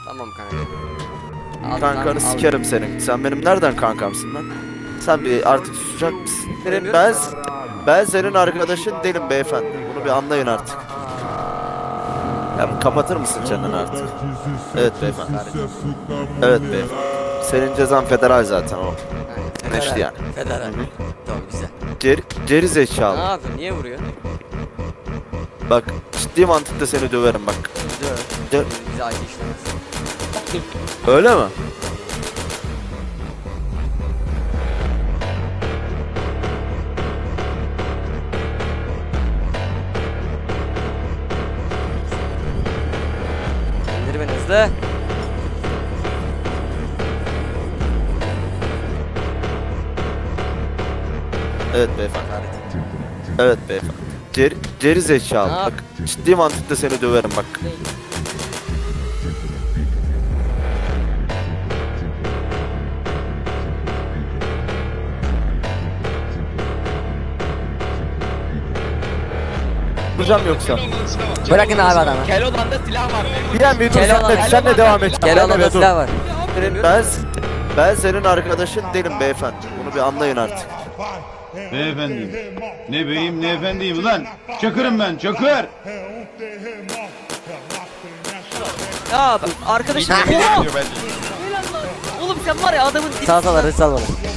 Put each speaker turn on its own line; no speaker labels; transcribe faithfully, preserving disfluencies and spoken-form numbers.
Tamam kanka.
Kankanı sikerim senin. Sen benim nereden kankamsın lan? Sen bir artık susacak mısın? Benim ben ben senin arkadaşın değilim beyefendi. Bunu bir anlayın artık. Ya kapatır mısın çeneni artık? Evet beyefendi. Evet beyefendi. Senin cezan federal zaten o. Neşli yani.
Federal. Tamam güzel.
Geri, geri
Ne
zekalı.
yapıyorsun? Niye vuruyor?
Bak ciddi mantıkta seni döverim bak.
Döv.
Dö-
Bize acı işlemez.
Öyle mi?
İndir beni hızlı.
Evet beyefendi. Evet beyefendi. Geri, geri zekalı.
Ne yap-
Bak ciddi mantıkta seni döverim bak. Vuracağım yoksa.
Bırakın abi adamı.
Keloğlan'da silah var.
Bir an bir dur
Keloğlan-
sen de, sen de devam et.
Gel
Sen de
ona
bir
da
dur.
silah var.
Ben, ben senin arkadaşın değilim beyefendi. Bunu bir anlayın artık.
Beyefendiyim. Ne beyim ne efendiyim ulan. Çakırım ben çakır.
Ya arkadaşım. Oğlum sen var ya adamın
Sal sal arı sal bana.